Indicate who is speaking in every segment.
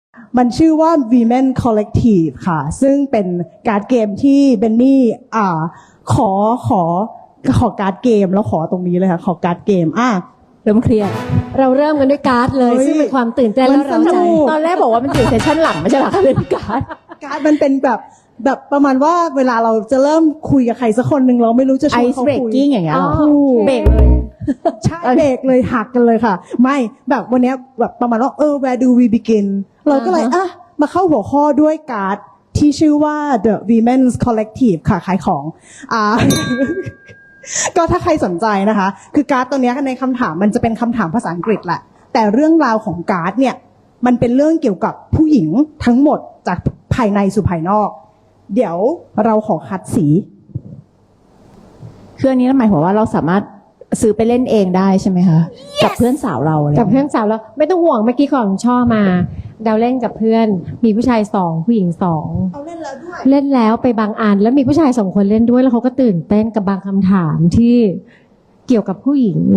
Speaker 1: มันชื่อว่า Women Collective ค่ะ ซึ่งเป็นการ์ดเกมที่เบนนี่ขอการ์ดเกมแล้วขอตรงนี้เลยค่ะขอการ์ดเกม
Speaker 2: เริ่มเครียดเราเริ่มกันด้วยการ์ดเลยซึ่งเป็นความตื่นเต้นและเราใจตอนแรกบอกว่ามันอยู่เซสชั่นหลังไม่ใช่หรอคะเล่นการ์ด
Speaker 1: มันเป็นแบบประมาณว่าเวลาเราจะเริ่มคุยกับใครสักคนหนึ่งเราไม่รู้จะชวนเขาคุย
Speaker 2: Ice breaking อย่างเงี้ยเบรกเลย
Speaker 1: ใช่เบรกเลยหักกันเลยค่ะไม่แบบวันนี้แบบประมาณว่าwhere do we begin เราก็เลยมาเข้าหัวข้อด้วยการ์ดที่ชื่อว่า The Women's Collective ค่ะขายของก็ถ้าใครสนใจนะคะคือการ์ดตัวนี้ในคำถามมันจะเป็นคำถามภาษาอังกฤษแหละแต่เรื่องราวของการ์ดเนี่ยมันเป็นเรื่องเกี่ยวกับผู้หญิงทั้งหมดจากภายในสู่ภายนอกเดี๋ยวเราขอคัดสี
Speaker 2: คืออันนี้หมายความว่าเราสามารถซื้อไปเล่นเองได้ใช่ไหมคะ yes! กับเพื่อนสาวเรา
Speaker 3: กับเพื่อนสาวเราไม่ต้องห่วงเมื่อกี้ของช่อมาเดาเล่นกับเพื่อนมีผู้ชาย2ผู้หญิง2
Speaker 1: เอาเล่นแล้วด้วย
Speaker 3: เล่นแล้วไปบางอันแล้วมีผู้ชาย2คนเล่นด้วยแล้วเขาก็ตื่นเต้นกับบางคำถามที่เกี่ยวกับผู้หญิง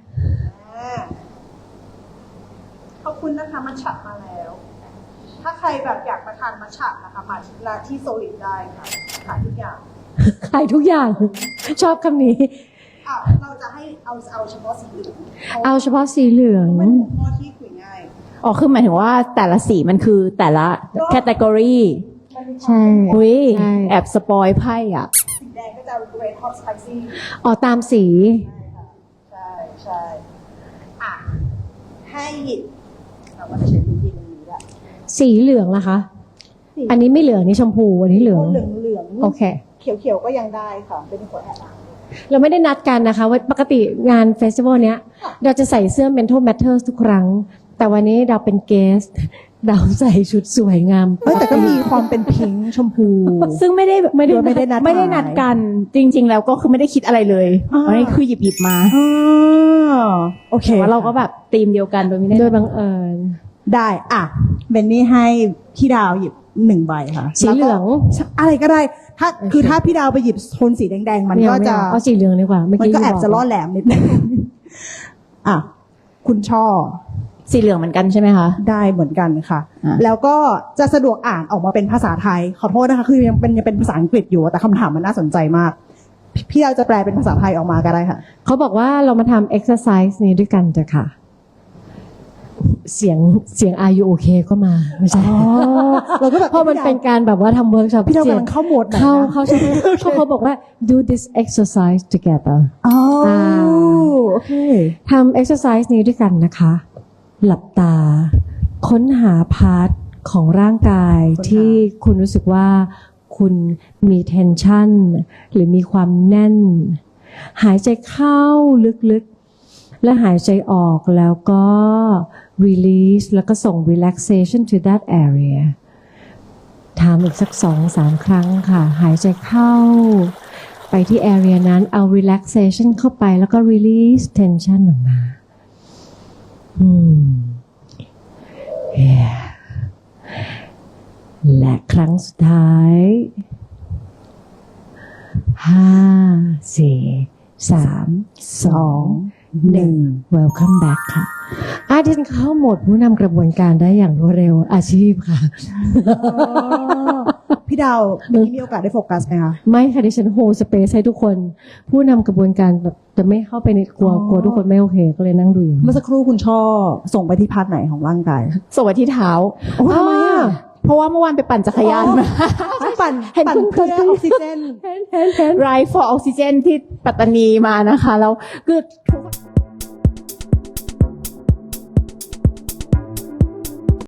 Speaker 1: ขอบคุณนะคะมัทฉะมาแล้วถ้าใครแบบอยากมาทานมัทฉะนะคะมาที่โซลิดได้ค่ะขายทุกอย่าง
Speaker 3: ขายทุกอย่างชอบคำนี้
Speaker 1: เราจะให้เอาเฉพาะสีเหลือง
Speaker 3: เอาเฉพาะสีเหลือง
Speaker 1: เป็นหัวข้อที่คุยง่าย
Speaker 2: คือหมายถึงว่าแต่ละสีมันคือแต่ละแคตตากรี
Speaker 3: ใช่
Speaker 2: แอบสปอยไพ่
Speaker 1: สีแดงก็จะ red hot spicy
Speaker 3: ตามสี
Speaker 1: ใช่ให้หยิบเราก็จะใช้พื้นที่ตรงนี้แหละ
Speaker 3: สีเหลืองล่ะคะอันนี้ไม่เหลืองนี่ชมพูอันนี้เหลืองโอเค
Speaker 1: เขียวก็ยังได้ค่ะเป็นหัวแอบ
Speaker 3: เราไม่ได้นัดกันนะคะว่าปกติงานเฟสติวัลเนี้ยเราจะใส่เสื้อ Mental Matters ทุกครั้งแต่วันนี้เราเป็นเกสต์เราใส่ชุดสวยงาม
Speaker 1: แต่ก็มีความเป็นพิงค์ชมพู
Speaker 2: ซึ่งไม่ได้นัดกันจริงๆแล้วก็คือไม่ได้คิดอะไรเลยอันนี้คือหยิบมา
Speaker 1: โอเค
Speaker 2: ว่าเราก็แบบธีมเดียวกันโดยไม่ได้
Speaker 3: โดยบังเอิญ
Speaker 1: ได้เบนนี่ให้พี่ดาวหยิบ1 ใบค่ะ
Speaker 3: สีเหลือง
Speaker 1: อะไรก็ได้ถ้าพี่ดาวไปหยิบโทนสีแดงๆมันก็จะ
Speaker 3: เอาสีเหลืองดีกว่า
Speaker 1: มันก็แอบจะล่อแหลมนิดนึงคุณช่อ
Speaker 2: สีเหลืองเหมือนกันใช่ไหมคะ
Speaker 1: ได้เหมือนกันค่ะแล้วก็จะสะดวกอ่านออกมาเป็นภาษาไทยขอโทษนะคะคือยังเป็นภาษาอังกฤษอยู่แต่คำถามมันน่าสนใจมากพี่ดาวจะแปลเป็นภาษาไทยออกมาก็ได้ค่ะ
Speaker 3: เขาบอกว่าเรามาทำ exercise นี้ด้วยกันจ้ะค่ะเสียง Are you okay ก็มาไม่ใช่
Speaker 1: เราก็แบบ
Speaker 3: เพราะมันเป็นการแบบว่าทำเวิร์กช็อป
Speaker 1: พี่ดาวกำลังเข้าโหมด
Speaker 3: เขาบอกว่า do this exercise together
Speaker 1: โอเค
Speaker 3: ทำ exercise นี้ด้วยกันนะคะหลับตาค้นหาพาร์ทของร่างกายที่คุณรู้สึกว่าคุณมี tension หรือมีความแน่นหายใจเข้าลึกๆและหายใจออกแล้วก็ release แล้วก็ส่ง relaxation to that area ทำอีกสัก 2-3 ครั้งค่ะหายใจเข้าไปที่ area นั้นเอา relaxation เข้าไปแล้วก็ release tension ออกมาและครั้งสุดท้าย5 4 3 2 1 Welcome back ค่ะดิฉันเข้าโหมดผู้นำกระบวนการได้อย่างรวดเร็วอาชีพค่ะ
Speaker 1: พี่ดาวมีโอกาสได้โฟกัสไหมคะ
Speaker 3: ไม่ค่ะดิฉันโฮสเปซให้ทุกคนผู้นำกระบวนการแบบจะไม่เข้าไปในกลัวทุกคนไม่โอเคก็เลยนั่งดูอย่าง
Speaker 1: เมื่อสักครู่คุณช่อส่งไปที่พาร์ทไหนของร่างกาย
Speaker 2: ส่งไปที่เท้า
Speaker 1: ทำไม
Speaker 2: เพราะว่าเมื่อวานไปปั่นจักรยานมา
Speaker 1: ปั่นเพื่อออกซิเจน
Speaker 2: ไรฟอร์ออกซิเจนที่ปัตตานีมานะคะแล้วคือทุก